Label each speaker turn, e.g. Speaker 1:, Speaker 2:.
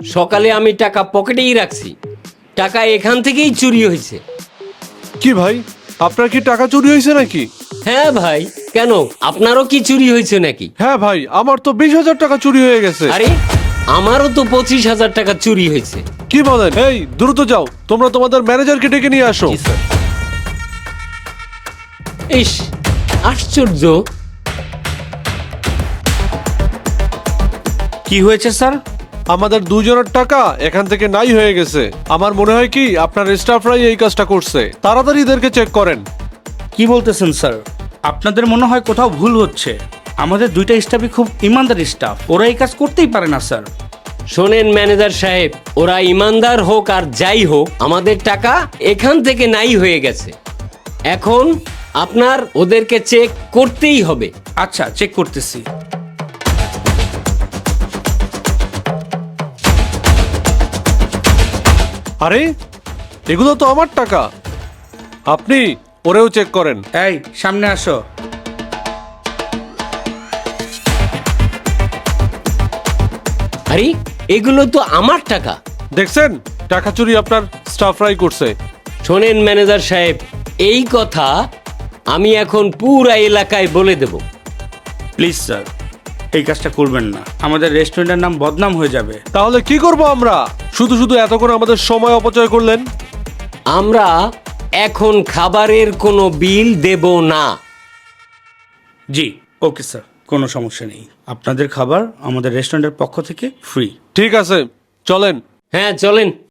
Speaker 1: সকালে আমি টাকা পকেটেই রাখছি, টাকা এখান থেকেই চুরি হয়েছে।
Speaker 2: কি ভাই, আপনার কি টাকা চুরি হয়েছে নাকি?
Speaker 1: হ্যাঁ ভাই, কেন আপনারও কি চুরি হয়েছে নাকি?
Speaker 2: হ্যাঁ ভাই, আমার তো 20,000 টাকা চুরি হয়ে গেছে।
Speaker 1: আরে আমারও তো 25,000 টাকা চুরি হয়েছে।
Speaker 2: কি বলেন? এই দ্রুত যাও, তোমরা তোমাদের ম্যানেজারকে ডেকে নিয়ে আসো।
Speaker 1: ইস, আশ্চর্য।
Speaker 3: কি হয়েছে স্যার?
Speaker 2: আমাদের দুজনের টাকা এখান থেকে নাই হয়ে গেছে। আমার মনে হয় কি আপনার স্টাফরাই এই কাজটা করছে। তাড়াতাড়ি এদেরকে চেক করেন।
Speaker 3: কি বলতেছেন স্যার? আপনাদের মনে হয় কোথাও ভুল হচ্ছে। আমাদের দুইটা স্টাফই খুব ইমানদার স্টাফ, ওরা এই কাজ করতেই পারে না স্যার।
Speaker 1: শোনেন ম্যানেজার সাহেব, ওরা ইমানদার হোক আর যাই হোক, আমাদের টাকা এখান থেকে নাই হয়ে গেছে। এখন আপনার ওদেরকে চেক করতেই হবে।
Speaker 3: আচ্ছা, চেক করতেছি।
Speaker 2: আরে এগুলো তো আমার টাকা। আপনি ওরেও চেক করেন।
Speaker 3: এই সামনে আসো।
Speaker 1: আরে এগুলো তো আমার টাকা।
Speaker 2: দেখছেন, টাকা চুরি আপনার স্টাফরাই করছে।
Speaker 1: শোনেন ম্যানেজার সাহেব, এই কথা আমি এখন পুরা এলাকায় বলে দেব।
Speaker 3: প্লিজ স্যার, এই কাজটা করবেন না, আমাদের রেস্টুরেন্টের নাম বদনাম হয়ে যাবে।
Speaker 2: তাহলে কি করব আমরা? শুধু শুধু এতক্ষণ আমাদের সময় অপচয় করলেন।
Speaker 1: আমরা এখন খাবারের কোনো বিল দেব না।
Speaker 3: জি ওকে স্যার, কোনো সমস্যা নেই। আপনাদের খাবার আমাদের রেস্টুরেন্টের পক্ষ থেকে ফ্রি।
Speaker 2: ঠিক আছে, চলেন।
Speaker 1: হ্যাঁ চলেন।